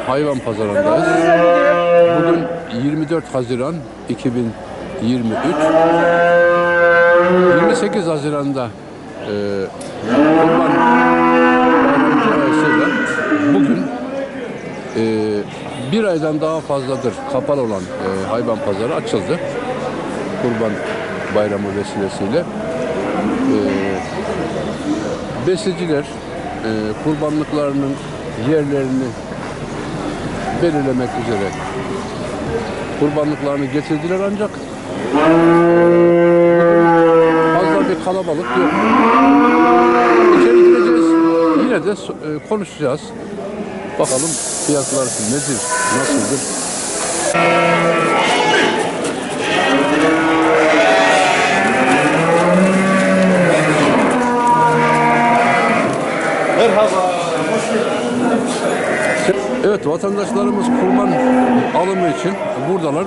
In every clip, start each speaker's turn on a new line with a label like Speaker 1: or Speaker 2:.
Speaker 1: hayvan pazarındayız. Bugün 24 Haziran 2023. 28 Haziran'da Kurban Bayramı dolayısıyla bugün bir aydan daha fazladır kapalı olan hayvan pazarı açıldı. Kurban Bayramı vesilesiyle. Besiciler kurbanlıklarının yerlerini belirlemek üzere kurbanlıklarını getirdiler ancak fazla bir kalabalık yok. İçeri gireceğiz. Yine de konuşacağız. Bakalım fiyatlar nedir, nasıldır?
Speaker 2: Merhaba.
Speaker 1: Evet, vatandaşlarımız kurban alımı için buradalar.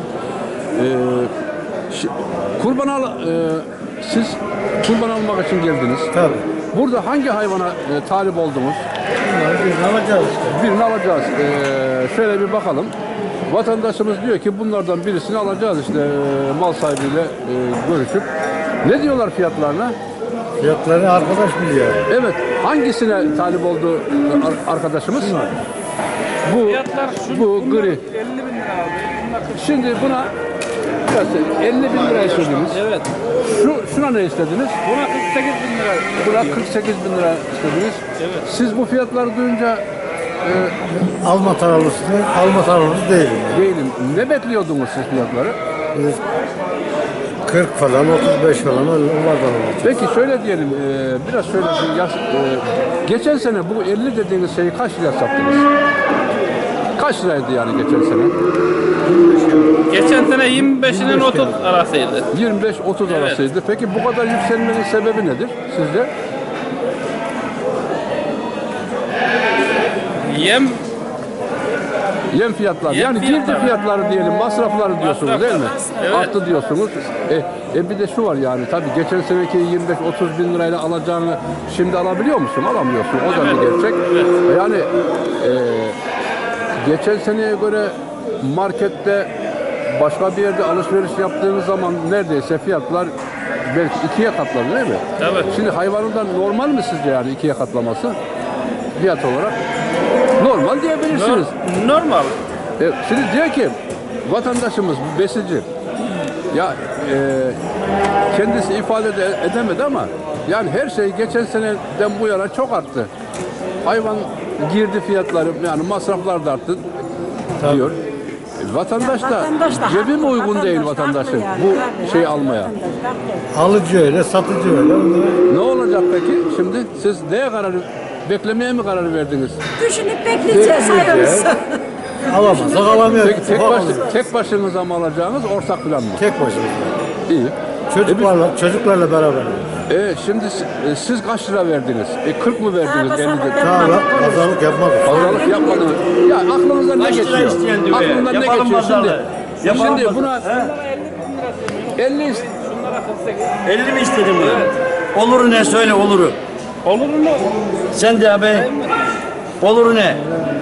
Speaker 1: Siz kurban almak için geldiniz.
Speaker 2: Tabii.
Speaker 1: Burada hangi hayvana talip oldunuz?
Speaker 2: Birini alacağız işte.
Speaker 1: Birini alacağız. Şöyle bir bakalım. Vatandaşımız diyor ki bunlardan birisini alacağız işte mal sahibiyle görüşüp. Ne diyorlar fiyatlarına?
Speaker 2: Fiyatları arkadaş biliyor.
Speaker 1: Evet. Hangisine talip oldu arkadaşımız? Bu gri.
Speaker 3: 50 bin lira abi.
Speaker 1: Şimdi buna 50 bin lira istediniz.
Speaker 3: Evet.
Speaker 1: Şuna ne istediniz?
Speaker 3: Buna 48 bin lira.
Speaker 1: Buna 48 bin lira istediniz.
Speaker 3: Evet.
Speaker 1: Siz bu fiyatları duyunca
Speaker 2: Alma taraflısı değilim.
Speaker 1: değilim. Ne bekliyordunuz siz fiyatları?
Speaker 2: Biz 40 falan, 35 falan onlardan alacağız.
Speaker 1: Peki şöyle diyelim, biraz şöyle bir geçen sene bu 50 dediğiniz şeyi kaç liraya sattınız? Kaç liraydı yani geçen sene?
Speaker 3: Geçen sene 25'inin 30 arasıydı.
Speaker 1: 25-30 arasıydı. Peki bu kadar yükselmenin sebebi nedir sizce? Yem fiyatları. Yani girdi fiyatları diyelim, masrafları diyorsunuz değil mi?
Speaker 3: Evet.
Speaker 1: Arttı diyorsunuz. Bir de şu var yani tabii geçen seneki 25-30 bin lirayla alacağını şimdi alabiliyor musun? Alamıyorsun. O da bir gerçek. Yani geçen seneye göre markette başka bir yerde alışveriş yaptığınız zaman neredeyse fiyatlar belki ikiye katladı değil mi?
Speaker 3: Evet.
Speaker 1: Şimdi hayvanından normal mi sizce yani ikiye katlaması fiyat olarak? Normal diyebilirsiniz.
Speaker 3: Normal.
Speaker 1: Şimdi diyor ki vatandaşımız besici ya kendisi ifade edemedi ama yani her şey geçen seneden bu yana çok arttı. Hayvan girdi fiyatları yani masraflar da arttı diyor. Vatandaş da cebi mi uygun değil vatandaşın bu şeyi almaya?
Speaker 2: Alıcı öyle, satıcı öyle.
Speaker 1: Ne olacak peki? Şimdi siz neye beklemeye mi karar verdiniz?
Speaker 4: Düşünüp bekleyeceğiz hayırlısı.
Speaker 2: Alamazsak alamıyoruz.
Speaker 1: Peki tek başınıza mı alacağınız ortak plan mı?
Speaker 2: Tek başımıza.
Speaker 1: İyi.
Speaker 2: Çocuklarla beraber.
Speaker 1: Şimdi siz kaç lira verdiniz? 40 mı verdiniz? 50 de.
Speaker 2: Tamam, pazarlık yapmadık.
Speaker 1: Pazarlık yapmadınız. Ya aklınızdan ne geçiyor? Aklınızdan ne geçiyor şimdi? Şimdi buna 50
Speaker 5: 50 mi istedin bunu? Oluru ne söyle oluru.
Speaker 3: Olur mu?
Speaker 5: Sen de abi. Oluru ne?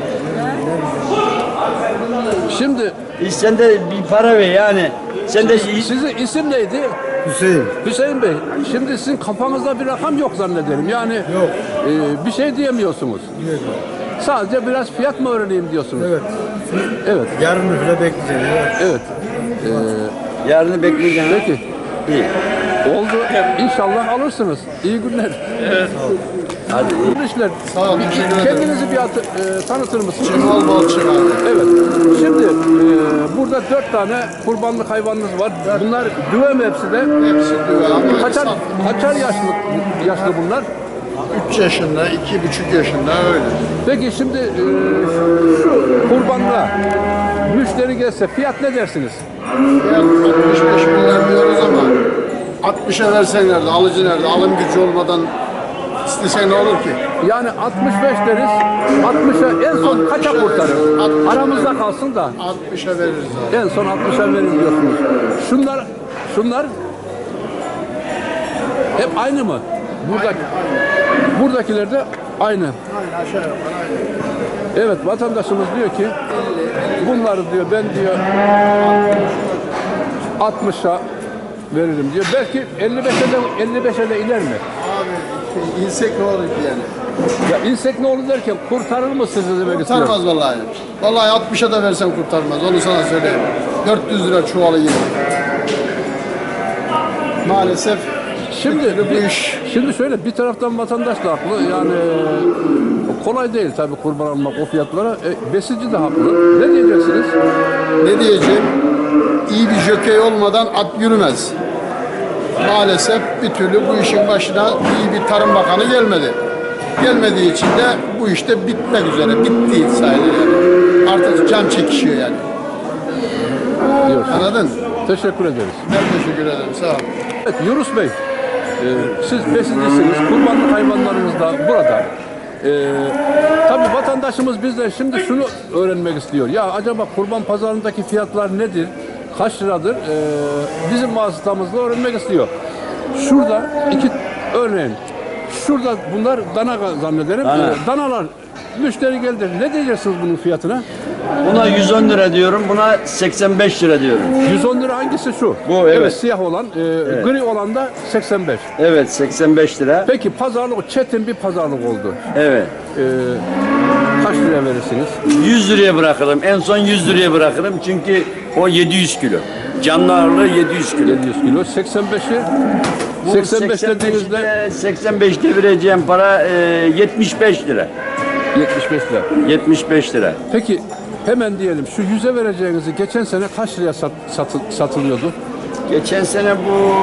Speaker 1: Şimdi
Speaker 5: Sen de bir para ver yani. Sen de
Speaker 1: sizin isim neydi?
Speaker 2: Hüseyin.
Speaker 1: Hüseyin Bey. Şimdi sizin kafanızda bir rakam yok zannederim. Yani
Speaker 2: Yok.
Speaker 1: Bir şey diyemiyorsunuz. Sadece biraz fiyat mı öğreneyim diyorsunuz?
Speaker 2: Evet.
Speaker 1: Evet.
Speaker 2: Yarın bile bekleyeceğiz.
Speaker 1: Evet.
Speaker 5: yarını bekleyeceğim.
Speaker 1: Peki.
Speaker 5: İyi.
Speaker 1: Oldu. İnşallah alırsınız. İyi günler.
Speaker 3: Evet.
Speaker 5: Hadi iyi.
Speaker 1: Hayırlı işler.
Speaker 2: Sağ olun, teşekkür ederim.
Speaker 1: Kendinizi bir tanıtır mısınız?
Speaker 2: Cemal Balçık abi.
Speaker 1: Evet. Şimdi burada 4 tane kurbanlık hayvanınız var. Bunlar düve mi hepsi de?
Speaker 2: Hepsi düve ama
Speaker 1: Kaçar yaşlı bunlar?
Speaker 2: 3 yaşında, 2,5 yaşında öyle.
Speaker 1: Peki şimdi şu kurbanlığa müşteri gelse fiyat ne dersiniz?
Speaker 2: Yani 65 milyar diyoruz ama 60'a versen nerede, alıcı nerede, alım gücü olmadan istesen ne olur ki?
Speaker 1: Yani 65 deriz, 60'a en son kaça kurtarır? Aramızda kalsın da
Speaker 2: 60'a veririz abi.
Speaker 1: en son 60'a verir diyorsunuz. Şunlar hep aynı mı? Buradakiler de aynı.
Speaker 2: Aynen aşağı yukarı aynı.
Speaker 1: Evet, vatandaşımız diyor ki bunları diyor ben diyor 60'a veririm diyor. Belki 55'e de iner mi?
Speaker 2: Abi insek ne olur ki yani?
Speaker 1: Ya insek ne olur derken kurtarır mı sizi demek istiyorum.
Speaker 2: Kurtarmaz vallahi. Vallahi 60'a da versen kurtarmaz. Onu sana söyleyeyim. 400 lira çuvalı yine. Maalesef
Speaker 1: Şimdi
Speaker 2: bu iş
Speaker 1: şimdi şöyle bir taraftan vatandaş da haklı. Yani kolay değil tabii kurban almak o fiyatlara. Besici de haklı. Ne diyeceksiniz?
Speaker 2: ne diyeceğim? İyi bir jokey olmadan at yürümez. Maalesef bir türlü bu işin başına iyi bir Tarım Bakanı gelmedi. Gelmediği için de bu işte bitmek üzere. Bitti sayılır yani. Artık can çekişiyor yani.
Speaker 1: Diyorsun.
Speaker 2: Anladın?
Speaker 1: Teşekkür ederiz.
Speaker 2: Ben teşekkür ederim. Sağ ol.
Speaker 1: Evet Yunus Bey, siz besicisiniz, kurbanlık hayvanlarınız da burada. Tabii vatandaşımız bizden şimdi şunu öğrenmek istiyor. Ya acaba kurban pazarındaki fiyatlar nedir? Kaç liradır? Bizim vasıtamızla öğrenmek istiyor. Şurada örneğin, şurada bunlar dana zannederim.
Speaker 5: Dana.
Speaker 1: Danalar müşteri geldi. Ne diyeceksiniz bunun fiyatına?
Speaker 5: Buna 110 lira diyorum, buna 85 lira diyorum.
Speaker 1: 110 lira hangisi şu?
Speaker 5: Bu, evet.
Speaker 1: Siyah olan, gri olan da 85.
Speaker 5: Evet, 85 lira.
Speaker 1: Peki pazarlık çetin bir pazarlık oldu.
Speaker 5: Evet.
Speaker 1: Kaç liraya verirsiniz?
Speaker 5: 100 liraya bırakırım. En son 100 liraya bırakırım çünkü o 700 kilo. Canlı ağırlığı 700 kilo.
Speaker 1: 700 kilo. 85'i
Speaker 5: Bu
Speaker 1: 85 dediğinizde
Speaker 5: 85'te vereceğim para 75 lira.
Speaker 1: 75 lira.
Speaker 5: 75 lira.
Speaker 1: Peki hemen diyelim şu 100'e vereceğinizi geçen sene kaç liraya satılıyordu?
Speaker 5: Geçen sene bu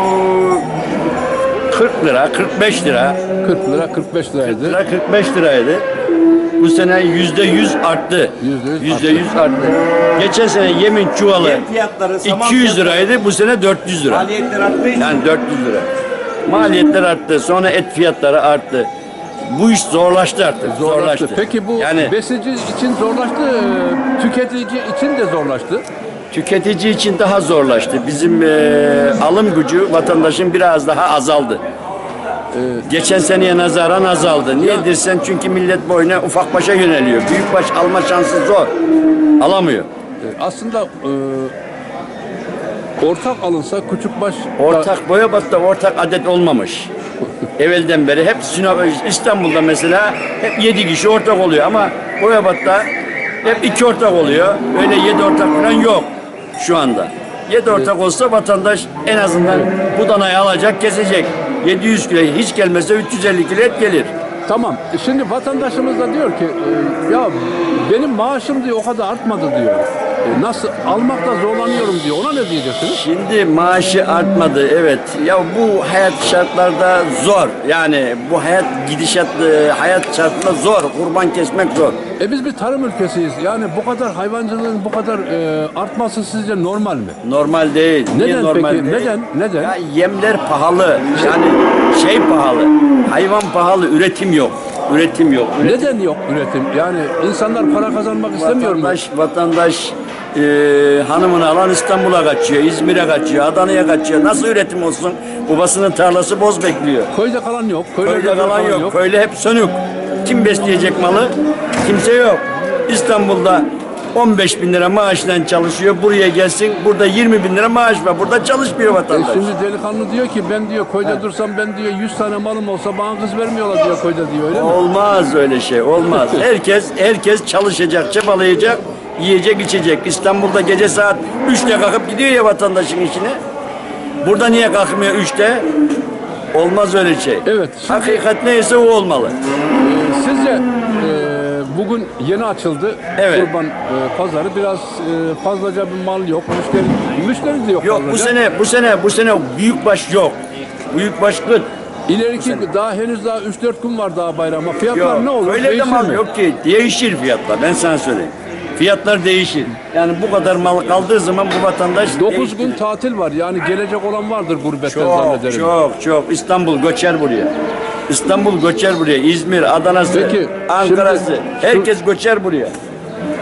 Speaker 5: 40 lira, 45 lira.
Speaker 1: 40 lira, 45 liraydı.
Speaker 5: Lira 45 liraydı. Bu sene %100 arttı.
Speaker 1: %100
Speaker 5: arttı. Geçen sene yemin çuvalı
Speaker 6: Yem fiyatları, saman
Speaker 5: 200 liraydı. Bu sene 400 lira.
Speaker 6: Maliyetler arttığı için
Speaker 5: Yani 400 lira. Maliyetler arttı. Sonra et fiyatları arttı. Bu iş zorlaştı artık.
Speaker 1: zorlaştı. Peki bu
Speaker 5: yani
Speaker 1: besici için zorlaştı, tüketici için de zorlaştı.
Speaker 5: tüketici için daha zorlaştı. Bizim alım gücü vatandaşın biraz daha azaldı. Geçen seneye nazaran azaldı. Niye dersen çünkü millet boyuna ufak başa yöneliyor. Büyük baş alma şansı zor. Alamıyor.
Speaker 1: Aslında ortak alınsa küçük baş
Speaker 5: Ortak Boyabat'ta ortak adet olmamış. Evvelden beri hep İstanbul'da mesela hep 7 kişi ortak oluyor ama Boyabat'ta hep 2 ortak oluyor. Öyle 7 ortak falan yok şu anda. 7 ortak olsa vatandaş en azından bu danayı alacak, kesecek. 700 kilo hiç gelmezse 350 kilo et gelir.
Speaker 1: Tamam. Şimdi vatandaşımız da diyor ki ya benim maaşım diyor o kadar artmadı diyor. Nasıl almakta zorlanıyorum diyor. Ona ne diyeceksiniz?
Speaker 5: Şimdi maaşı artmadı evet. Ya bu hayat şartlarda zor. Yani bu hayat hayat şartında zor. Kurban kesmek zor.
Speaker 1: Biz bir tarım ülkesiyiz. Yani bu kadar hayvancılığın bu kadar artması sizce normal mi?
Speaker 5: Normal değil. Niye
Speaker 1: Neden
Speaker 5: normal
Speaker 1: peki?
Speaker 5: değil?
Speaker 1: Neden?
Speaker 5: Ya yemler pahalı. Yani şey pahalı. Hayvan pahalı. Üretim yok. Üretim yok.
Speaker 1: Neden yok üretim? Yani insanlar para kazanmak istemiyor mu?
Speaker 5: Vatandaş hanımını alan İstanbul'a kaçıyor, İzmir'e kaçıyor, Adana'ya kaçıyor. Nasıl üretim olsun? Babasının tarlası boz bekliyor.
Speaker 1: Köyde kalan yok.
Speaker 5: Köyde kalan yok. Köyde hep sönük. Kim besleyecek malı? Kimse yok. İstanbul'da 15 bin lira maaşla çalışıyor. Buraya gelsin. Burada 20 bin lira maaş var. Burada çalışmıyor vatandaş.
Speaker 1: Şimdi delikanlı diyor ki ben diyor köyde dursam ben diyor 100 tane malım olsa bana kız vermiyorlar diyor köyde diyor öyle mi?
Speaker 5: Olmaz öyle şey. Olmaz. Herkes çalışacak, çabalayacak, yiyecek, içecek. İstanbul'da gece saat 3'te kalkıp gidiyor ya vatandaşın işine. Burada niye kalkmıyor 3'te? Olmaz öyle şey.
Speaker 1: Evet, şimdi-
Speaker 5: Hakikat neyse o olmalı.
Speaker 1: Sizce bugün yeni açıldı
Speaker 5: Evet.
Speaker 1: kurban pazarı biraz fazlaca bir mal yok müşteri de yok
Speaker 5: Yok
Speaker 1: fazlaca.
Speaker 5: bu sene büyükbaş yok. Büyükbaş kıt.
Speaker 1: İleriki daha henüz daha 3-4 gün var daha bayrama. Fiyatlar
Speaker 5: Yok.
Speaker 1: ne olur?
Speaker 5: Öyle de
Speaker 1: Değişir
Speaker 5: mal
Speaker 1: mi?
Speaker 5: yok ki. Değişir fiyatlar. Ben sana söyleyeyim. Fiyatlar değişir. Yani bu kadar mal kaldığı zaman bu vatandaş
Speaker 1: 9 gün
Speaker 5: değiştirir.
Speaker 1: tatil var. Yani gelecek olan vardır gurbetten
Speaker 5: Çok
Speaker 1: zannederim.
Speaker 5: çok İstanbul göçer buraya. İstanbul göçer buraya. İzmir, Adana'sı,
Speaker 1: Peki,
Speaker 5: Ankara'sı.
Speaker 1: şimdi
Speaker 5: Herkes göçer buraya.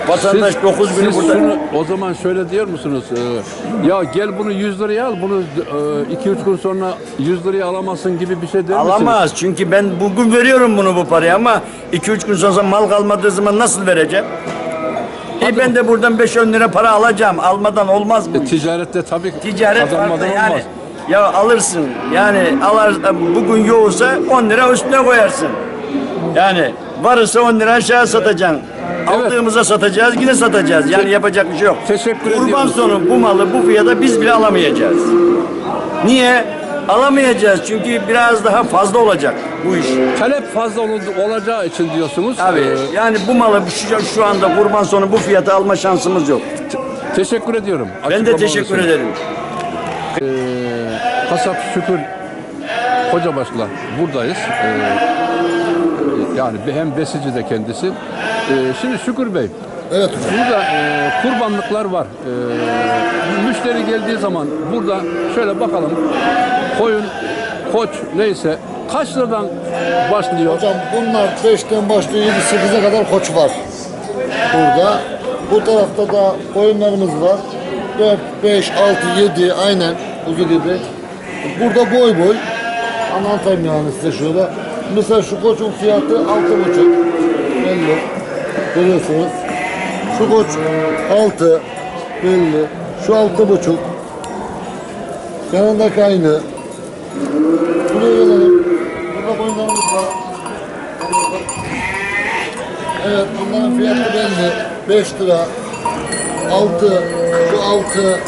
Speaker 5: Vatandaş 9 günü
Speaker 1: siz
Speaker 5: burada.
Speaker 1: şunu o zaman şöyle diyor musunuz? Ya gel bunu 100 liraya al, bunu 2-3 gün sonra 100 liraya alamazsın gibi bir şey der misiniz?
Speaker 5: Alamaz çünkü ben bugün veriyorum bunu bu parayı ama 2-3 gün sonra mal kalmadığı zaman nasıl vereceğim? Ben de buradan 5-10 lira para alacağım. Almadan olmaz bu iş.
Speaker 1: Ticarette tabii
Speaker 5: Ticaret
Speaker 1: kazanmadan
Speaker 5: farklı yani.
Speaker 1: olmaz.
Speaker 5: Ya alırsın yani bugün yoğursa 10 lira üstüne koyarsın. Yani varsa 10 lira aşağı satacaksın.
Speaker 1: Evet.
Speaker 5: Aldığımıza satacağız yine satacağız. Yani yapacak bir şey yok.
Speaker 1: Teşekkür
Speaker 5: Kurban
Speaker 1: ediyoruz.
Speaker 5: sonu bu malı bu fiyata biz bile alamayacağız. Niye? Alamayacağız çünkü biraz daha fazla olacak bu iş.
Speaker 1: Talep fazla olacağı için diyorsunuz.
Speaker 5: Abi yani bu malı şu anda kurban sonu bu fiyata alma şansımız yok.
Speaker 1: Teşekkür ediyorum.
Speaker 5: Ben de
Speaker 1: Açıklamalar
Speaker 5: teşekkür
Speaker 1: için.
Speaker 5: ederim.
Speaker 1: Kasap Şükür Kocabaş'la buradayız. Yani hem besici de kendisi. Şimdi Şükür Bey,
Speaker 2: Evet hocam.
Speaker 1: burada kurbanlıklar var. Müşteri geldiği zaman burada şöyle bakalım. Koyun, koç neyse kaç liradan başlıyor?
Speaker 6: Hocam bunlar 5'ten başlıyor 7-8'e kadar koç var burada. Bu tarafta da koyunlarımız var. 4, 5, 6, 7 aynen kuzu gibi. Burada boy boy. Anlatayım yani size şöyle. Mesela şu koçun fiyatı 6,5. Belli. Görüyorsunuz. Şu koç 6. Belli. Şu 6,5. Yanındaki aynı. Buraya gelelim. Burada koyunlarımız var. Evet bunların fiyatı belli. 5 lira. 6. Şu 6.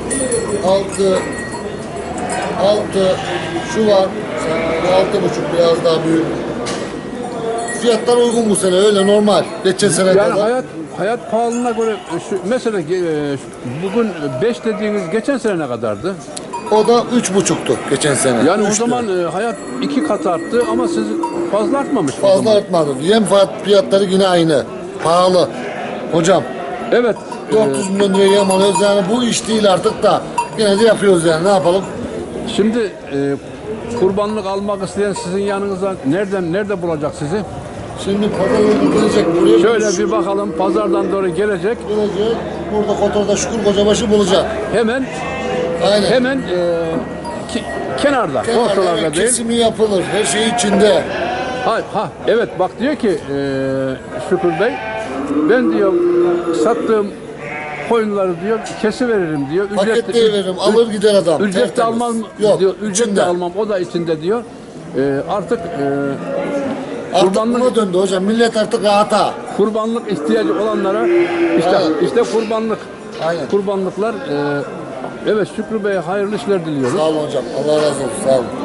Speaker 6: 6. Şu var. Bu 6,5 biraz daha büyük. Fiyatlar uygun bu sene öyle normal. Geçen sene
Speaker 1: Yani
Speaker 6: kadar.
Speaker 1: hayat pahalılığına göre mesela bugün 5 dediğiniz geçen sene ne kadardı?
Speaker 6: O da 3,5'tu geçen sene.
Speaker 1: Yani o
Speaker 6: 3
Speaker 1: zaman
Speaker 6: lira.
Speaker 1: hayat 2 kat arttı ama siz fazla artmamış. o
Speaker 6: Fazla
Speaker 1: zaman.
Speaker 6: artmadı. Yem fiyatları yine aynı. Pahalı. Hocam
Speaker 1: Evet.
Speaker 6: 400 milyon liraya yem alıyoruz yani bu iş değil artık da yine de yapıyoruz yani ne yapalım.
Speaker 1: Şimdi kurbanlık almak isteyen sizin yanınıza nerede bulacak sizi?
Speaker 6: Şimdi pazarda gelecek buraya.
Speaker 1: Şöyle bir bakalım pazardan doğru gelecek.
Speaker 6: Gelecek. Burada Kotor'da Şükür Kocabaşı bulacak.
Speaker 1: Hemen
Speaker 6: Aynen.
Speaker 1: kenarda, ortalarda
Speaker 6: Evet,
Speaker 1: değil.
Speaker 6: kesimi yapılır. Her şey içinde.
Speaker 1: Evet bak diyor ki Şükür Bey ben diyor sattığım koyunları diyor kesi veririm diyor.
Speaker 6: Paketleyi veririm. Alır gider adam.
Speaker 1: Ücret de
Speaker 6: Tertemiz.
Speaker 1: almam
Speaker 6: Yok.
Speaker 1: diyor. Ücret de
Speaker 6: içinde.
Speaker 1: almam o da içinde diyor. Artık
Speaker 6: Artık
Speaker 1: kurbanlık
Speaker 6: buna döndü hocam. Millet artık rahata.
Speaker 1: kurbanlık ihtiyacı olanlara işte kurbanlık.
Speaker 6: Aynen.
Speaker 1: Kurbanlıklar evet Şükrü Bey'e hayırlı işler diliyoruz.
Speaker 6: Sağ olun hocam. Allah razı olsun. Sağ olun.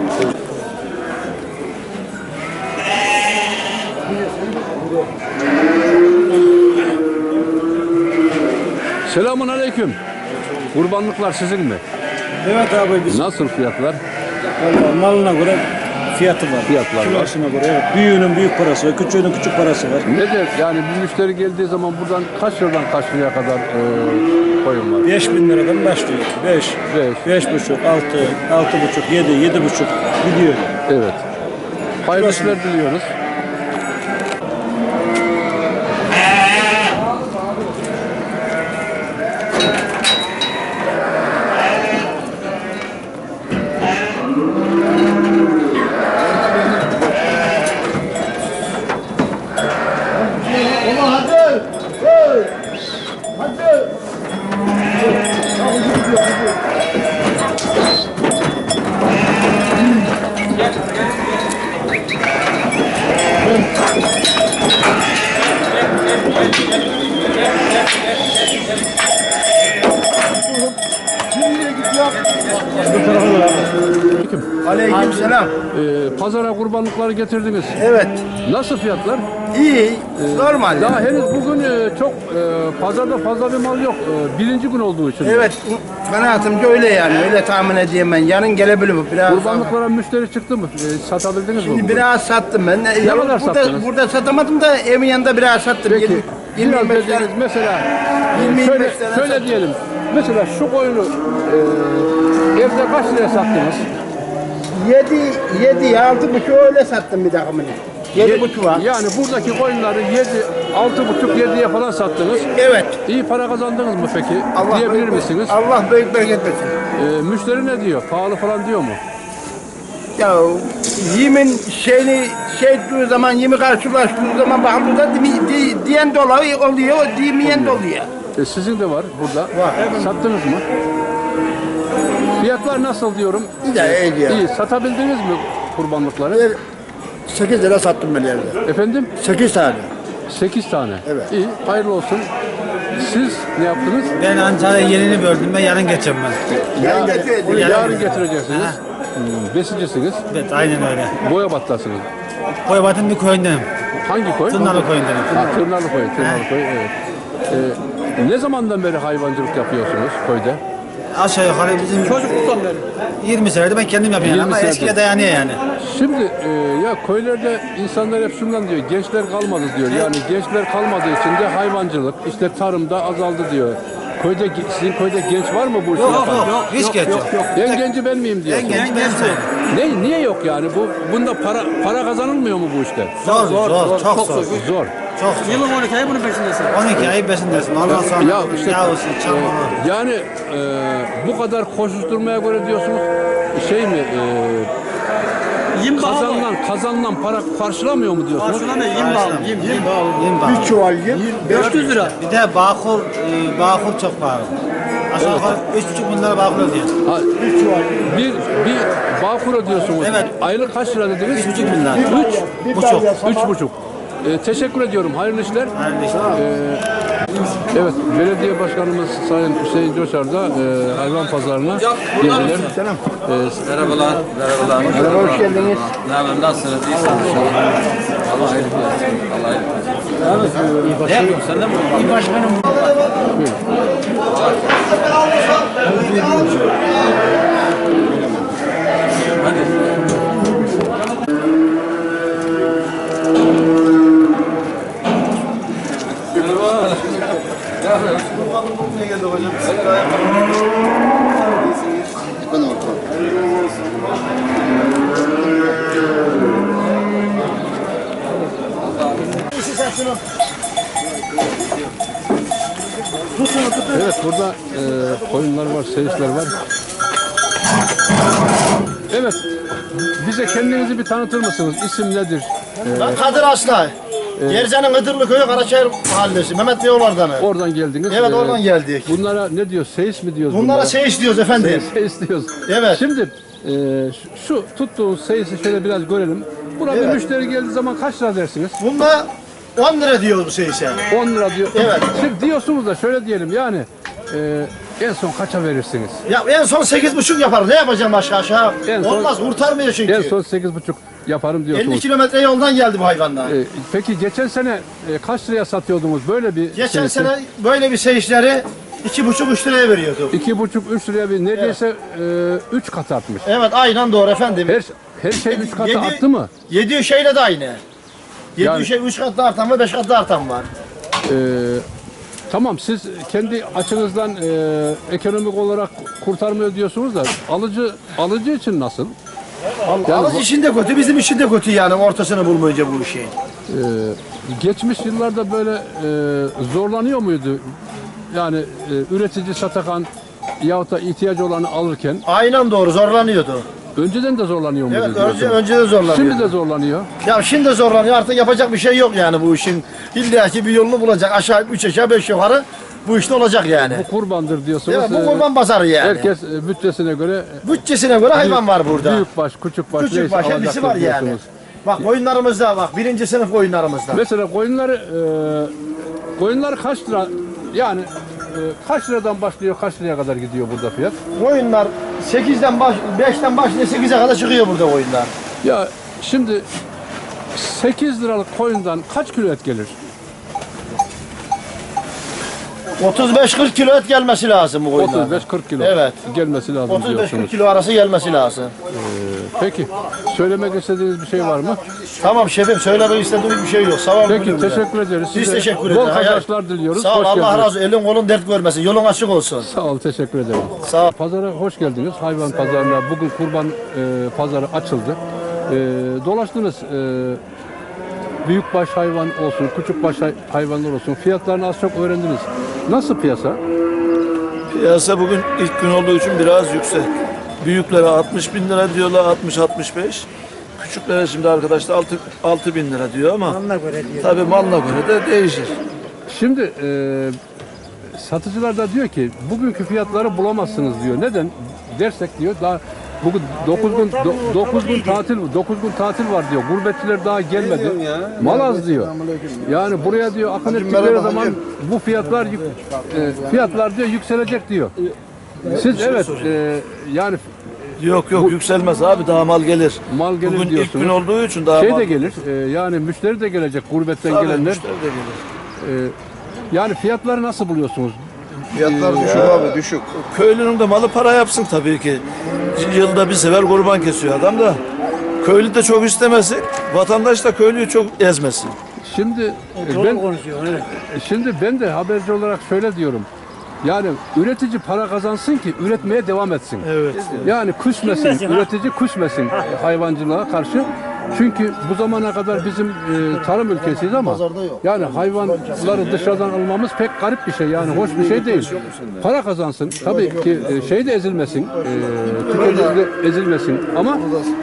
Speaker 1: Selamun aleyküm. Kurbanlıklar sizin mi?
Speaker 7: Evet abi biz
Speaker 1: Nasıl fiyatlar?
Speaker 7: vallahi malına göre fiyatı var.
Speaker 1: Fiyatlar var.
Speaker 7: Kilosuna göre evet. Büyüğünün büyük parası var, küçüğünün küçük parası var.
Speaker 1: Nedir? Yani bir müşteri geldiği zaman buradan kaç liradan kaç liraya kadar koyun var?
Speaker 7: 5.000 liradan başlıyor. 5,
Speaker 1: Beş.
Speaker 7: 5,5, 6, 6,5, 7, 7,5 gidiyor.
Speaker 1: Evet. Hayırlı işler diliyoruz.
Speaker 5: Aleykümselam.
Speaker 1: Pazara kurbanlıkları getirdiniz.
Speaker 5: Evet.
Speaker 1: Nasıl fiyatlar?
Speaker 5: İyi. Normal.
Speaker 1: Daha henüz bugün çok pazarda fazla bir mal yok. Birinci gün olduğu için.
Speaker 8: Evet, kanaatimce öyle yani. Öyle tahmin edeyim ben. Yarın gelebilir bu biraz.
Speaker 1: Kurbanlıklara müşteri çıktı mı? Satabildiniz mi?
Speaker 8: Şimdi
Speaker 1: bugün?
Speaker 8: biraz sattım ben. Ne
Speaker 1: kadar sattınız?
Speaker 8: Burada satamadım da evin yanında biraz sattım.
Speaker 1: Peki.
Speaker 8: 20
Speaker 1: Biraz
Speaker 8: 25 tane.
Speaker 1: dediğiniz mesela
Speaker 8: 20-25
Speaker 1: şöyle,
Speaker 8: tane
Speaker 1: şöyle
Speaker 8: sattım.
Speaker 1: diyelim. Mesela şu koyunu evde kaç liraya sattınız?
Speaker 8: 7 6,5 öyle sattım bir takımını. 7,5 var.
Speaker 1: Yani buradaki koyunları 6,5-7'ye falan sattınız.
Speaker 8: Evet.
Speaker 1: İyi para kazandınız mı peki?
Speaker 8: Allah
Speaker 1: Diyebilir
Speaker 8: büyük-
Speaker 1: misiniz?
Speaker 8: Allah büyük bereket versin.
Speaker 1: Müşteri ne diyor? Pahalı falan diyor mu?
Speaker 8: Ya yemin ettiği zaman, yemi karşılaştığı zaman bakımda da diyen de oluyor, diyemeyen de oluyor.
Speaker 1: Sizin de var burada.
Speaker 8: Var.
Speaker 1: Sattınız mı? Fiyatlar nasıl diyorum?
Speaker 8: İyi ya.
Speaker 1: İyi. Satabildiniz mi kurbanlıkları?
Speaker 6: 8 lira sattım ben yerde.
Speaker 1: Efendim?
Speaker 6: 8 tane.
Speaker 1: 8 tane.
Speaker 6: Evet.
Speaker 1: İyi. Hayırlı olsun. Siz ne yaptınız?
Speaker 7: Ben Antalya'ya yenini böldüm ben yarın geçeceğim ben.
Speaker 1: Yarın getireceksiniz. Besicisiniz.
Speaker 7: Evet aynen öyle.
Speaker 1: Boyabat'tasınız.
Speaker 7: Koybat'ın bir köyündenim.
Speaker 1: Hangi koy?
Speaker 7: Tırnalı köyündenim.
Speaker 1: Tırnalı koy. Tırnalı koy. Evet. Ne zamandan beri hayvancılık yapıyorsunuz köyde?
Speaker 7: Aşağı yukarı bizim çocukluktan beri. 20 senedir ben kendim yapıyorum
Speaker 1: 20
Speaker 7: ama
Speaker 1: senedir.
Speaker 7: eskiye dayanıyor yani.
Speaker 1: Şimdi ya köylerde insanlar hep şundan diyor, gençler kalmadı diyor. Yani gençler kalmadığı için de hayvancılık, işte tarımda azaldı diyor. Sizin köyde genç var mı bu işi yapan?
Speaker 7: Hiç geç yok.
Speaker 1: En genci ben miyim diyor.
Speaker 7: En genç ben sayılırım.
Speaker 1: Niye yok yani? Bunda para kazanılmıyor mu bu işte?
Speaker 7: Zor, çok zor.
Speaker 1: Zor.
Speaker 7: Çok zor.
Speaker 3: Yılın 12 ayı bunun peşindesin.
Speaker 7: 12 ay besindesin. Ondan sonra
Speaker 1: Ya işte
Speaker 7: yağısı, çamuru.
Speaker 1: yani bu kadar koşuşturmaya göre diyorsunuz şey mi?
Speaker 3: Yim bağlı.
Speaker 1: Kazanılan para karşılamıyor mu diyorsunuz?
Speaker 3: Karşılamıyor, yim bağlı. Yim.
Speaker 7: Yem bağlı.
Speaker 6: Bir çuval yem.
Speaker 3: 400 lira.
Speaker 7: Bir de bağkur çok pahalı. Aşağı yukarı 3,5 bin lira bağkur ödüyor.
Speaker 1: Ha, bir bağkur ödüyorsunuz.
Speaker 7: Evet.
Speaker 1: Aylık kaç lira dediniz?
Speaker 7: 3,5 bin lira.
Speaker 1: 3,5. Teşekkür ediyorum. Hayırlı işler.
Speaker 7: Hayırlı işler.
Speaker 1: Evet, belediye başkanımız Sayın Hüseyin Coşar da hayvan pazarına geldiler.
Speaker 9: Merhabalar.
Speaker 8: Merhaba, hoş geldiniz.
Speaker 9: Ne haber? Nasılsınız? İyisiniz inşallah. Allah hayırlı olsun. Allah hayırlı olsun. Ne yapıyorsun? Sen de mi?
Speaker 8: İyi başkanım.
Speaker 1: Evet, burada koyunlar var, seyisler var. Evet, bize kendinizi bir tanıtır mısınız? İsim nedir?
Speaker 2: Ben Kadir Aslan. Gerze'nin Iğdırlı köyü Karaçayır mahallesi. Mehmet Bey oradan.
Speaker 1: Oradan geldiniz.
Speaker 2: Evet, oradan geldik.
Speaker 1: Bunlara ne diyor? Seyis mi diyoruz?
Speaker 2: Bunlara seyis diyoruz efendim.
Speaker 1: Seyis diyoruz.
Speaker 2: Evet.
Speaker 1: Şimdi şu tuttuğunuz seyisi şöyle biraz görelim. Buna bir müşteri geldiği zaman kaç lira dersiniz?
Speaker 2: Bunda 10 lira diyoruz bu seyise.
Speaker 1: 10 lira diyor.
Speaker 2: Evet.
Speaker 1: Şimdi diyorsunuz da şöyle diyelim yani en son kaça verirsiniz?
Speaker 2: Ya en son 8,5 yapar. Ne yapacağım başka aşağı?
Speaker 1: En son-
Speaker 2: Olmaz, kurtarmıyor çünkü.
Speaker 1: En son 8,5 yaparım diyorsunuz.
Speaker 2: 50 kilometre yoldan geldi bu hayvanlar.
Speaker 1: Peki geçen sene kaç liraya satıyordunuz böyle bir
Speaker 2: Geçen
Speaker 1: seyisi?
Speaker 2: sene böyle bir seyisleri 2,5-3 liraya veriyorduk.
Speaker 1: 2,5-3 liraya bir neredeyse 3 kat artmış.
Speaker 2: Evet, aynen doğru efendim.
Speaker 1: Her şey 3 katı
Speaker 2: Yedi-
Speaker 1: arttı mı?
Speaker 2: Yediği şeyle de aynı. Yediği
Speaker 1: Yani-
Speaker 2: şey 3 katlı artan var, 5 katlı artan var.
Speaker 1: Tamam, siz kendi açınızdan ekonomik olarak kurtarmıyor diyorsunuz da alıcı için nasıl? Yani
Speaker 2: Alıcı için de kötü, bizim için de kötü yani ortasını bulmayınca bu işin.
Speaker 1: geçmiş yıllarda böyle zorlanıyor muydu? Yani üretici satakan yahut da ihtiyacı olanı alırken
Speaker 2: Aynen doğru, zorlanıyordu.
Speaker 1: önceden de zorlanıyor muydu?
Speaker 2: Evet,
Speaker 1: diyorsun?
Speaker 2: önce de zorlanıyordu.
Speaker 1: Şimdi de zorlanıyor.
Speaker 2: Ya şimdi zorlanıyor, artık yapacak bir şey yok yani bu işin. İlla ki bir yolunu bulacak, aşağı 3 aşağı 5 yukarı bu işte olacak yani.
Speaker 1: Bu kurbandır diyorsunuz.
Speaker 2: Evet, bu kurban pazarı yani.
Speaker 1: Herkes bütçesine göre
Speaker 2: Bütçesine göre hayvan var burada.
Speaker 1: büyük baş, küçük baş,
Speaker 2: Küçük
Speaker 1: neyse
Speaker 2: baş hepsi
Speaker 1: alacaktır
Speaker 2: var yani.
Speaker 1: diyorsunuz.
Speaker 2: Bak koyunlarımızda bak, 1. sınıf koyunlarımızda.
Speaker 1: Mesela koyunlar kaç lira yani kaç liradan başlıyor, kaç liraya kadar gidiyor burada fiyat?
Speaker 2: Koyunlar 5'ten başlıyor 8'e kadar çıkıyor burada koyunlar.
Speaker 1: Ya şimdi 8 liralık koyundan kaç kilo et gelir?
Speaker 2: 35-40 kilo et gelmesi lazım bu koyunlardan.
Speaker 1: 35-40 kilo
Speaker 2: Evet.
Speaker 1: gelmesi lazım
Speaker 2: 35-40
Speaker 1: diyorsunuz.
Speaker 2: kilo arası gelmesi lazım.
Speaker 1: Peki söylemek istediğiniz bir şey var mı?
Speaker 2: Tamam şefim, söylemek istediğimiz bir şey yok. Sağ olun.
Speaker 1: Peki
Speaker 2: müdürüm.
Speaker 1: teşekkür ederiz.
Speaker 2: Biz
Speaker 1: Size
Speaker 2: teşekkür
Speaker 1: bol
Speaker 2: ederiz.
Speaker 1: kazançlar diliyoruz.
Speaker 2: Sağ ol,
Speaker 1: Hoş
Speaker 2: Allah
Speaker 1: geldiniz.
Speaker 2: razı olsun. Elin kolun dert görmesin. Yolun açık olsun.
Speaker 1: Sağ ol, teşekkür ederim.
Speaker 2: Sağ ol.
Speaker 1: Pazara hoş geldiniz. Hayvan pazarına bugün kurban pazarı açıldı. Dolaştınız. büyükbaş hayvan olsun, küçükbaş hayvanlar olsun fiyatlarını az çok öğrendiniz. Nasıl piyasa?
Speaker 10: Piyasa bugün ilk gün olduğu için biraz yüksek. Büyüklere 60 bin lira diyorlar, 60-65. Küçüklere şimdi arkadaşlar 6 bin lira diyor ama tabii malına göre de değişir.
Speaker 1: Şimdi satıcılar da diyor ki bugünkü fiyatları bulamazsınız diyor. Neden dersek diyor daha bugün 9 gün tatil var diyor. Gurbetçiler daha gelmedi. Mal az diyor. Yani buraya diyor akın ettikleri zaman bu fiyatlar diyor yükselecek diyor. Siz evet yani
Speaker 10: Yok yükselmez abi, daha mal gelir.
Speaker 1: Mal gelir
Speaker 10: bugün
Speaker 1: diyorsunuz.
Speaker 10: ilk gün olduğu için daha mal
Speaker 1: de gelir. Yani müşteri de gelecek gurbetten
Speaker 10: Tabii,
Speaker 1: gelenler.
Speaker 10: müşteri de gelir.
Speaker 1: Yani fiyatları nasıl buluyorsunuz?
Speaker 2: Fiyatlar düşük abi, düşük.
Speaker 10: Köylünün de malı para yapsın tabii ki. Yılda bir sefer kurban kesiyor adam da. Köylü de çok istemesin, vatandaş da köylüyü çok ezmesin.
Speaker 1: Şimdi ben de haberci olarak şöyle diyorum. Yani üretici para kazansın ki üretmeye devam etsin.
Speaker 10: Evet.
Speaker 1: Yani küsmesin, üretici küsmesin hayvancılığa karşı. Çünkü bu zamana kadar bizim tarım ülkesiyiz ama yani hayvanları dışarıdan almamız pek garip bir şey. Yani hoş bir şey değil. Para kazansın. Tabii ki şey de ezilmesin, tüketici de ezilmesin ama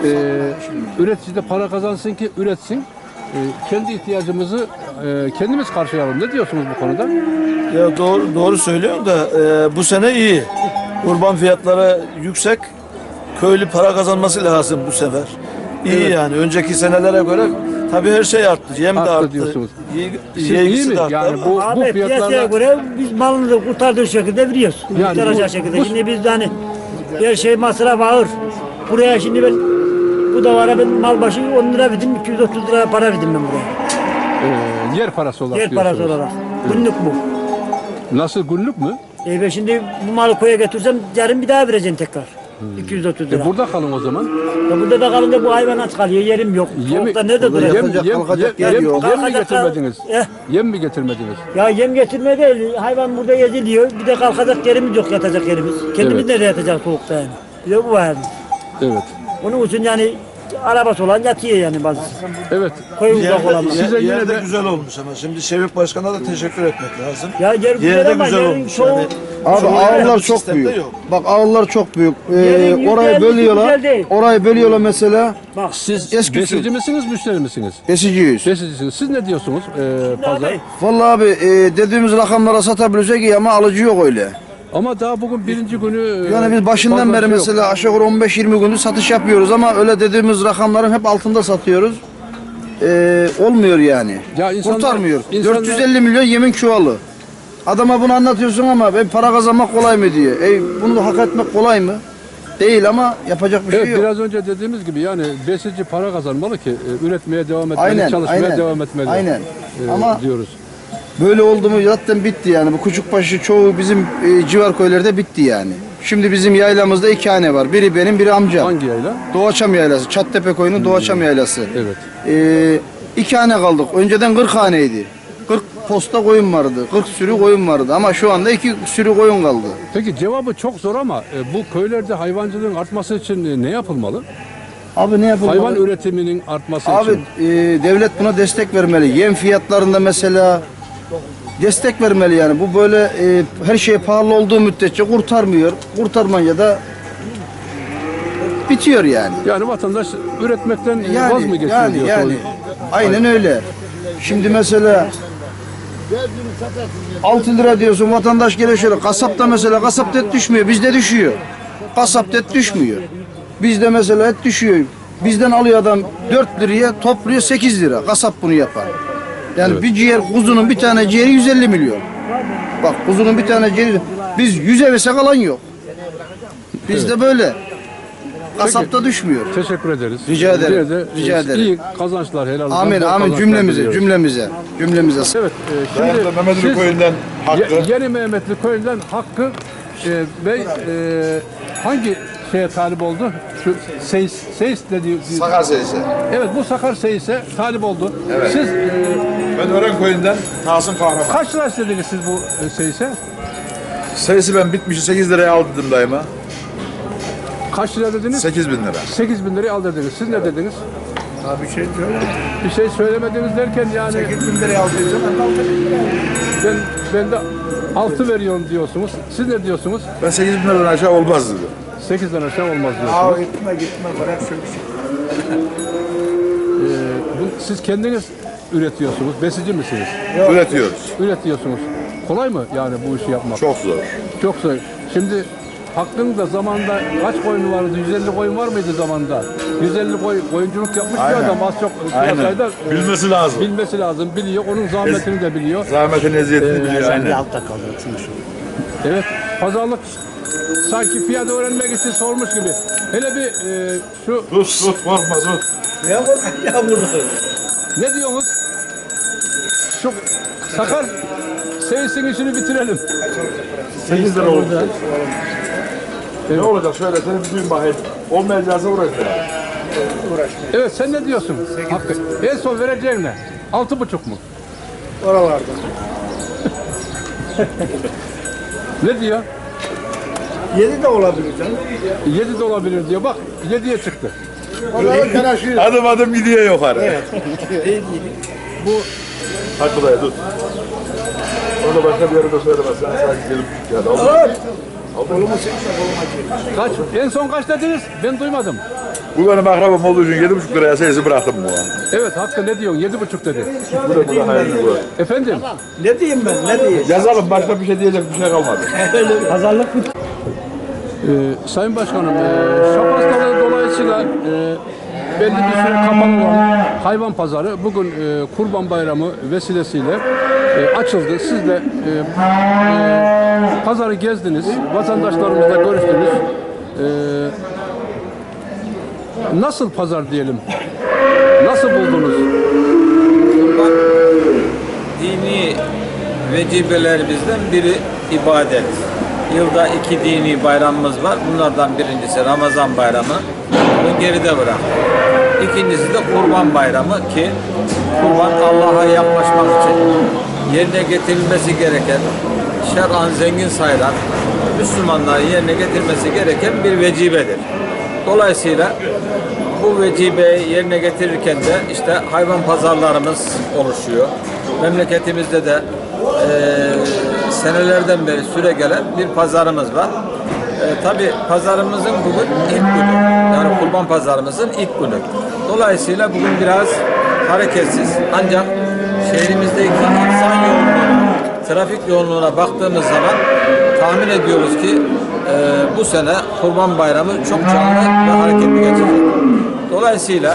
Speaker 1: üretici de para kazansın ki üretsin. Kendi ihtiyacımızı kendimiz karşılayalım. Ne diyorsunuz bu konuda?
Speaker 10: Ya doğru söylüyorsun da bu sene iyi. Kurban fiyatları yüksek. Köylü para kazanması lazım bu sefer. İyi yani. Önceki senelere göre tabii her şey arttı. Yem de arttı.
Speaker 1: Diyorsunuz.
Speaker 10: Yeğisi
Speaker 1: mi?
Speaker 10: de arttı.
Speaker 1: Yani bu
Speaker 3: Abi piyasaya
Speaker 1: fiyatlarla
Speaker 3: göre biz malını kurtardığı şekilde veriyoruz.
Speaker 1: Yani
Speaker 3: Kurtaracak şekilde. Şimdi biz de hani her şey masraf ağır. Buraya şimdi ben bu davara ben mal başı 10 lira verdim, 230 lira para verdim ben buraya.
Speaker 1: yer parası olarak
Speaker 3: Yer
Speaker 1: diyorsunuz.
Speaker 3: parası olarak. Günlük bu.
Speaker 1: Nasıl günlük mü?
Speaker 3: Ben şimdi bu malı koya götürsem yarın bir daha vereceğim tekrar. 230 lira.
Speaker 1: Burada kalın o zaman.
Speaker 3: Ya burada da kalınca bu hayvan aç kalıyor, yerim yok. Soğukta nerede duracak?
Speaker 1: Yem mi
Speaker 3: Kalkacak-
Speaker 1: getirmediniz?
Speaker 3: Eh.
Speaker 1: Yem mi getirmediniz?
Speaker 3: Ya yem getirme değil, hayvan burada geziliyor. Bir de kalkacak yerimiz yok, yatacak yerimiz. Kendimiz
Speaker 1: Evet.
Speaker 3: nereye yatacak soğukta yani? Bir de bu var.
Speaker 1: Evet.
Speaker 3: Onun için yani arabası olan yatıyor yani bazı.
Speaker 1: Evet.
Speaker 3: Koyu uzak olan.
Speaker 1: Size yine
Speaker 10: Yer de
Speaker 1: de-
Speaker 10: güzel olmuş ama şimdi Şevik Başkan'a da teşekkür etmek lazım.
Speaker 3: Ya yer
Speaker 10: Yer
Speaker 3: güzel
Speaker 10: de
Speaker 3: ama
Speaker 10: güzel
Speaker 3: yerin
Speaker 10: olmuş.
Speaker 3: çoğu...
Speaker 10: Yani.
Speaker 2: Abi
Speaker 10: Çoğu
Speaker 2: ağırlar
Speaker 10: bu
Speaker 2: çok
Speaker 10: sistemde
Speaker 2: büyük.
Speaker 10: yok.
Speaker 2: Bak ağırlar çok büyük.
Speaker 3: Yerin
Speaker 2: Orayı
Speaker 3: yüzde
Speaker 2: bölüyorlar.
Speaker 3: güzel değil.
Speaker 2: Orayı bölüyorlar mesela.
Speaker 3: Bak
Speaker 1: Siz
Speaker 2: Eski
Speaker 1: besici misiniz, müşteri misiniz?
Speaker 2: Besiciyiz.
Speaker 1: Besicisiniz. Siz ne diyorsunuz pazar?
Speaker 3: abi,
Speaker 2: Vallahi abi dediğimiz rakamlara satabilirsek iyi ama alıcı yok öyle.
Speaker 1: Ama daha bugün birinci günü...
Speaker 2: Yani biz başından
Speaker 1: fazla
Speaker 2: beri
Speaker 1: şey yok.
Speaker 2: mesela aşağı yukarı 15-20 gündür satış yapıyoruz ama öyle dediğimiz rakamların hep altında satıyoruz. Olmuyor yani.
Speaker 1: Ya insanlar-
Speaker 2: Kurtarmıyor.
Speaker 1: insanlar-
Speaker 2: 450 milyon yemin çuvalı. Adama bunu anlatıyorsun ama ben para kazanmak kolay mı diyor. Bunu da hak etmek kolay mı? Değil ama yapacak bir
Speaker 1: Evet,
Speaker 2: şey yok.
Speaker 1: biraz önce dediğimiz gibi yani besici para kazanmalı ki üretmeye devam etmeli,
Speaker 2: Aynen,
Speaker 1: çalışmaya
Speaker 2: aynen.
Speaker 1: devam etmeli.
Speaker 2: Aynen. Ama
Speaker 1: diyoruz.
Speaker 2: böyle oldu mu zaten bitti yani. Bu Küçükbaşı çoğu bizim civar köylerde bitti yani. Şimdi bizim yaylamızda 2 hane var. Biri benim, biri amcam.
Speaker 1: Hangi yayla?
Speaker 2: Doğaçam yaylası. Çattepe koyunun Doğaçam yaylası.
Speaker 1: Evet.
Speaker 2: 2 hane kaldık. Önceden 40 haneydi. 40 posta koyun vardı. 40 sürü koyun vardı. Ama şu anda 2 sürü koyun kaldı.
Speaker 1: Peki cevabı çok zor ama bu köylerde hayvancılığın artması için ne yapılmalı?
Speaker 2: Abi ne yapalım?
Speaker 1: Hayvan üretiminin artması
Speaker 2: Abi
Speaker 1: için.
Speaker 2: devlet buna destek vermeli. Yem fiyatlarında mesela destek vermeli yani. Bu böyle her şey pahalı olduğu müddetçe kurtarmıyor. Kurtarmayınca da bitiyor yani.
Speaker 1: Yani vatandaş üretmekten vaz mı geçiyor diyorsunuz?
Speaker 2: Aynen öyle. Şimdi mesela 6 lira diyorsun, vatandaş geliyor şöyle, kasapta mesela kasapta et düşmüyor, bizde düşüyor. Kasapta et düşmüyor. Bizde mesela et düşüyor. Bizden alıyor adam 4 liraya, topluyor 8 lira. Kasap bunu yapar. Yani bir ciğer, kuzunun bir tane ciğeri 150 milyon. Bak kuzunun bir tane ciğeri, biz 100'e versek alan yok. Bizde böyle. Kasapta düşmüyor.
Speaker 1: Teşekkür ederiz.
Speaker 2: Rica ederim.
Speaker 1: Yine de,
Speaker 2: Rica ederim.
Speaker 1: İyi kazançlar helal olsun.
Speaker 2: Amin
Speaker 1: Bol
Speaker 2: amin
Speaker 1: kazançlar
Speaker 2: cümlemize
Speaker 1: diliyoruz.
Speaker 2: cümlemize.
Speaker 1: Evet, şimdi
Speaker 10: Mehmetli
Speaker 1: siz
Speaker 10: köyünden Hakkı.
Speaker 1: Yeni Mehmetli köyünden Hakkı Bey hangi şeye talip oldu? Şu Seyis dediği.
Speaker 11: Sakar Seyisi.
Speaker 1: Evet, bu Sakar Seyis'e talip oldu.
Speaker 11: Evet.
Speaker 1: Siz
Speaker 11: Ben Ören köyünden Tahsin Kahraman.
Speaker 1: kaç lira istediniz siz bu Seyis'e?
Speaker 11: Sayısı ben bitmişi 8 liraya aldırdım daima.
Speaker 1: Kaç lira dediniz?
Speaker 11: 8 bin lira.
Speaker 1: 8 bin liraya al dediniz. Siz ne dediniz?
Speaker 8: Abi bir şey söyle.
Speaker 1: Bir şey söylemediniz derken yani
Speaker 8: 8 bin liraya aldıysan 6 bin liraya.
Speaker 1: ben de 6 veriyorum diyorsunuz. Siz ne diyorsunuz?
Speaker 11: Ben 8 bin liradan aşağı olmaz dedim.
Speaker 1: 8'den aşağı olmaz
Speaker 8: Aa
Speaker 1: diyorsunuz.
Speaker 8: gitme bırak şu işi.
Speaker 1: Siz kendiniz üretiyorsunuz. Besici misiniz?
Speaker 11: Üretiyoruz.
Speaker 1: Üretiyorsunuz. Kolay mı yani bu işi yapmak?
Speaker 11: Çok zor.
Speaker 1: Çok zor. Şimdi Hakkı'nın da zamanında kaç koyunu vardı? 150 koyun var mıydı zamanda? 150 koyunculuk yapmış bir
Speaker 11: Aynen.
Speaker 1: adam az çok
Speaker 11: Aynen.
Speaker 1: piyasayda
Speaker 11: Bilmesi lazım.
Speaker 1: bilmesi lazım. Biliyor. Onun zahmetini de biliyor.
Speaker 11: Zahmetin eziyetini biliyor. Aynen.
Speaker 1: Evet. Pazarlık sanki fiyat öğrenmek için sormuş gibi. Hele bir şu
Speaker 11: Tut korkma tut.
Speaker 8: Ya burada.
Speaker 1: ne diyorsunuz? Şu Sakar Seyis'in işini bitirelim.
Speaker 11: 8 lira oldu. Ne olacak şöyle seni bir duyun bakayım. Olmayacaksa uğraşma.
Speaker 1: Evet sen ne diyorsun? Hakkı. En son vereceğin ne? 6,5 mu?
Speaker 8: Oralarda.
Speaker 1: Ne diyor?
Speaker 8: 7 de olabilir canım.
Speaker 1: 7 de olabilir diyor. Bak 7'ye çıktı.
Speaker 8: Oraları karışıyor.
Speaker 11: Adım adım gidiyor yukarı.
Speaker 1: Bu
Speaker 11: Hakkı dayı tut. Onu da başka bir yerde söylemezsen sadece gelip yani.
Speaker 8: Kolumu çekme koluma çek.
Speaker 1: kaç? En son kaç dediniz? Ben duymadım.
Speaker 11: Bu benim akrabam olduğu için 7,5 liraya seyisi bıraktım bu an.
Speaker 1: Evet Hakkı ne diyorsun? 7,5 dedi.
Speaker 11: Bu da hayırlı bu.
Speaker 1: Efendim?
Speaker 8: Ne diyeyim ben ne diyeyim?
Speaker 11: Yazalım başka bir şey diyecek bir şey kalmadı.
Speaker 3: Pazarlık mı?
Speaker 1: Sayın Başkanım, şap hastalığı dolayısıyla belli bir süre kapalı olan hayvan pazarı bugün Kurban Bayramı vesilesiyle açıldı. Siz de pazarı gezdiniz, vatandaşlarımızla görüştünüz. Nasıl pazar diyelim? Nasıl buldunuz?
Speaker 9: Kurban dini vecibelerimizden biri ibadet. Yılda 2 dini bayramımız var. Bunlardan birincisi Ramazan bayramı. Bunu geride bırak. İkincisi de Kurban bayramı ki kurban Allah'a yaklaşmak için yerine getirilmesi gereken, şer'an zengin sayılan Müslümanların yerine getirmesi gereken bir vecibedir. Dolayısıyla bu vecibeyi yerine getirirken de işte hayvan pazarlarımız oluşuyor. Memleketimizde de senelerden beri süre gelen bir pazarımız var. Tabii pazarımızın bugün ilk günü. Yani kurban pazarımızın ilk günü. Dolayısıyla bugün biraz hareketsiz. Ancak şehrimizdeki insan yoğunluğuna, trafik yoğunluğuna baktığımız zaman tahmin ediyoruz ki bu sene Kurban Bayramı çok canlı ve hareketli geçecek. Dolayısıyla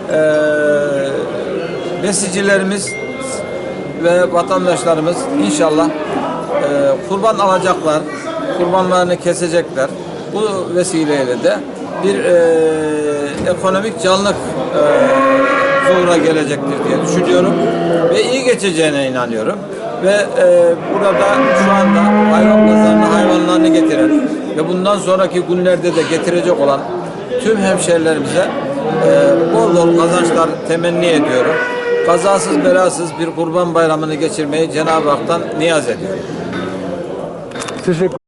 Speaker 9: besicilerimiz ve vatandaşlarımız inşallah kurban alacaklar, kurbanlarını kesecekler. Bu vesileyle de bir ekonomik canlılık zuhura gelecektir diye düşünüyorum ve iyi geçeceğine inanıyorum. Ve burada şu anda hayvan pazarına hayvanlarını getiren ve bundan sonraki günlerde de getirecek olan tüm hemşehrilerimize bol bol kazançlar temenni ediyorum. Kazasız belasız bir kurban bayramını geçirmeyi Cenab-ı Hak'tan niyaz ediyorum.
Speaker 1: Teşekkür